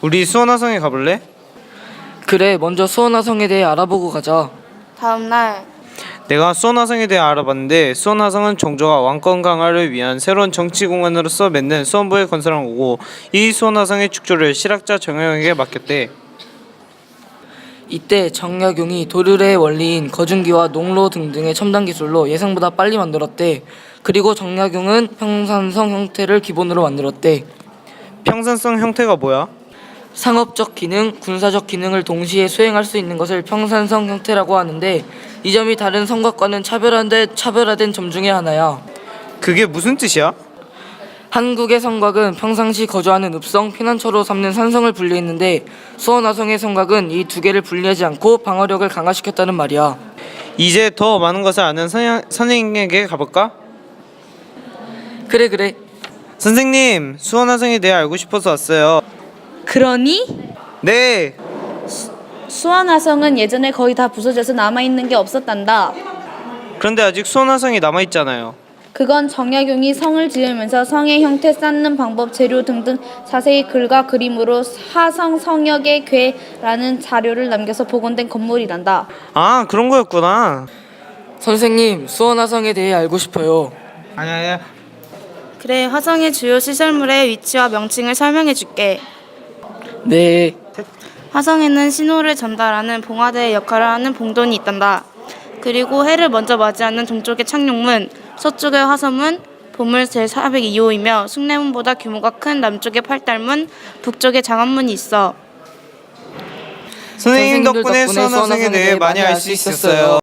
우리 수원화성에 가볼래? 그래, 먼저 수원화성에 대해 알아보고 가자. 다음날 내가 수원화성에 대해 알아봤는데 수원화성은 종조가 왕권 강화를 위한 새로운 정치 공간으로서 맺는 수원부에 건설한 거고 이 수원화성의 축조를 실학자 정영에게 맡겼대. 이때 정약용이 도르래의 원리인 거중기와 농로 등등의 첨단 기술로 예상보다 빨리 만들었대. 그리고 정약용은 평산성 형태를 기본으로 만들었대. 평산성 형태가 뭐야? 상업적 기능, 군사적 기능을 동시에 수행할 수 있는 것을 평산성 형태라고 하는데 이 점이 다른 성곽과는 차별화된 점 중에 하나야. 그게 무슨 뜻이야? 한국의 성곽은 평상시 거주하는 읍성, 피난처로 삼는 산성을 분리했는데 수원화성의 성곽은 이 두 개를 분리하지 않고 방어력을 강화시켰다는 말이야. 이제 더 많은 것을 아는 선생님에게 가볼까? 그래. 선생님, 수원화성에 대해 알고 싶어서 왔어요. 그러니? 네! 수원화성은 예전에 거의 다 부서져서 남아있는 게 없었단다. 그런데 아직 수원화성이 남아있잖아요. 그건 정약용이 성을 지으면서 성의 형태, 쌓는 방법, 재료 등등 자세히 글과 그림으로 화성 성역의 궤라는 자료를 남겨서 복원된 건물이란다. 아, 그런 거였구나. 선생님, 수원화성에 대해 알고 싶어요. 아니야. 그래, 화성의 주요 시설물의 위치와 명칭을 설명해 줄게. 네. 화성에는 신호를 전달하는 봉화대의 역할을 하는 봉돈이 있단다. 그리고 해를 먼저 맞이하는 동쪽의 착륙문, 서쪽의 화성문, 보물 제402호이며 숭례문보다 규모가 큰 남쪽의 팔달문, 북쪽의 장안문이 있어. 선생님 덕분에 수원화성에 대해 많이 알 수 있었어요.